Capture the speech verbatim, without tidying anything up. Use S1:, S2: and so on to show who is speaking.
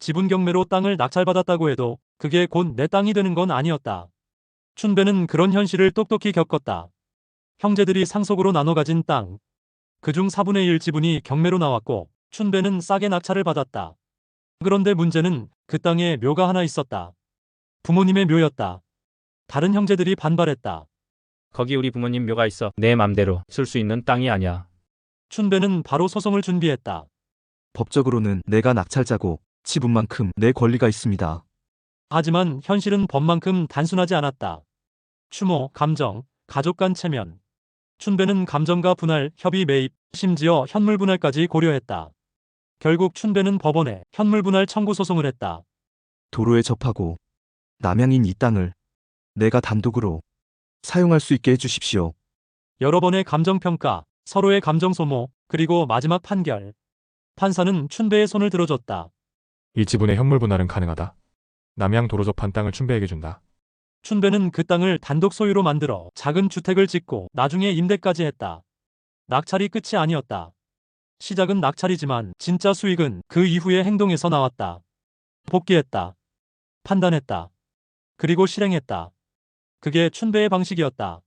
S1: 지분 경매로 땅을 낙찰받았다고 해도 그게 곧 내 땅이 되는 건 아니었다. 춘배는 그런 현실을 똑똑히 겪었다. 형제들이 상속으로 나눠 가진 땅, 그중 사분의 일 지분이 경매로 나왔고 춘배는 싸게 낙찰을 받았다. 그런데 문제는 그 땅에 묘가 하나 있었다. 부모님의 묘였다. 다른 형제들이 반발했다.
S2: 거기 우리 부모님 묘가 있어. 내 맘대로 쓸 수 있는 땅이 아니야.
S1: 춘배는 바로 소송을 준비했다.
S3: 법적으로는 내가 낙찰자고 지분만큼 내 권리가 있습니다.
S1: 하지만 현실은 법만큼 단순하지 않았다. 추모, 감정, 가족 간 체면. 춘배는 감정과 분할, 협의 매입, 심지어 현물 분할까지 고려했다. 결국 춘배는 법원에 현물 분할 청구 소송을 했다.
S3: 도로에 접하고 남양인 이 땅을 내가 단독으로 사용할 수 있게 해주십시오.
S1: 여러 번의 감정평가, 서로의 감정 소모, 그리고 마지막 판결. 판사는 춘배의 손을 들어줬다.
S4: 이 지분의 현물 분할은 가능하다. 남양 도로 접한 땅을 춘배에게 준다.
S1: 춘배는 그 땅을 단독 소유로 만들어 작은 주택을 짓고 나중에 임대까지 했다. 낙찰이 끝이 아니었다. 시작은 낙찰이지만 진짜 수익은 그 이후의 행동에서 나왔다. 복귀했다. 판단했다. 그리고 실행했다. 그게 춘배의 방식이었다.